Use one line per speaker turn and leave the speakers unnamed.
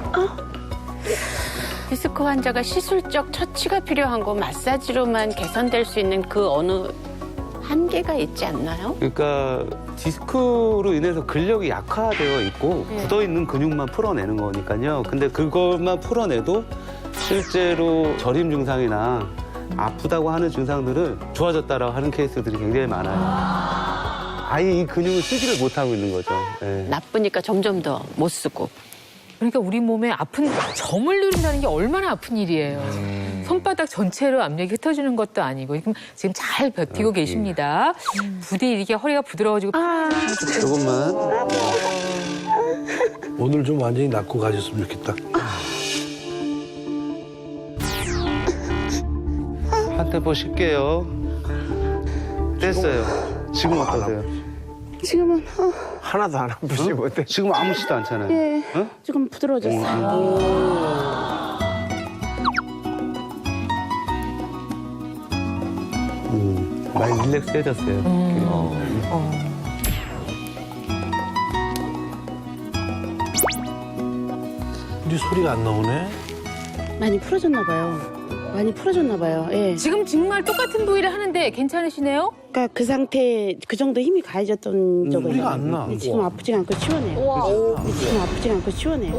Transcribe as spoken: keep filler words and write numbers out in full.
디스크 환자가 시술적 처치가 필요한 거 마사지로만 개선될 수 있는 그 어느 한계가 있지 않나요?
그러니까 디스크로 인해서 근력이 약화되어 있고
네.
굳어있는 근육만 풀어내는 거니까요. 근데 그것만 풀어내도 실제로 저림 증상이나 아프다고 하는 증상들은 좋아졌다라고 하는 케이스들이 굉장히 많아요. 아예 이 근육을 쓰지를 못하고 있는 거죠. 네.
나쁘니까 점점 더 못 쓰고.
그러니까 우리 몸에 아픈 점을 누른다는 게 얼마나 아픈 일이에요. 손바닥 전체로 압력이 흩어지는 것도 아니고 지금, 지금 잘 버티고 계십니다. 부디 이렇게 허리가 부드러워지고
조금만.
오늘 좀 완전히 낫고 가셨으면 좋겠다.
한 템포 쉴게요. 됐어요. 지금 어떠세요?
지금은 어,
하나도 안 아프지 못해.
지금 아무렇지도 않잖아요.
예,
어?
조금 부드러워졌어요.
음, 많이 릴렉스해졌어요.
근데 소리가 안 나오네.
많이 풀어졌나 봐요. 많이 풀어졌나 봐요. 예.
지금 정말 똑같은 부위를 하는데 괜찮으시네요?
그러니까 그 상태 그 정도 힘이 가해졌던 적은
소리가
있어요.
안 나.
근데 지금 아프지가 않고 시원해요. 근데 지금 아프지가 않고 시원해요.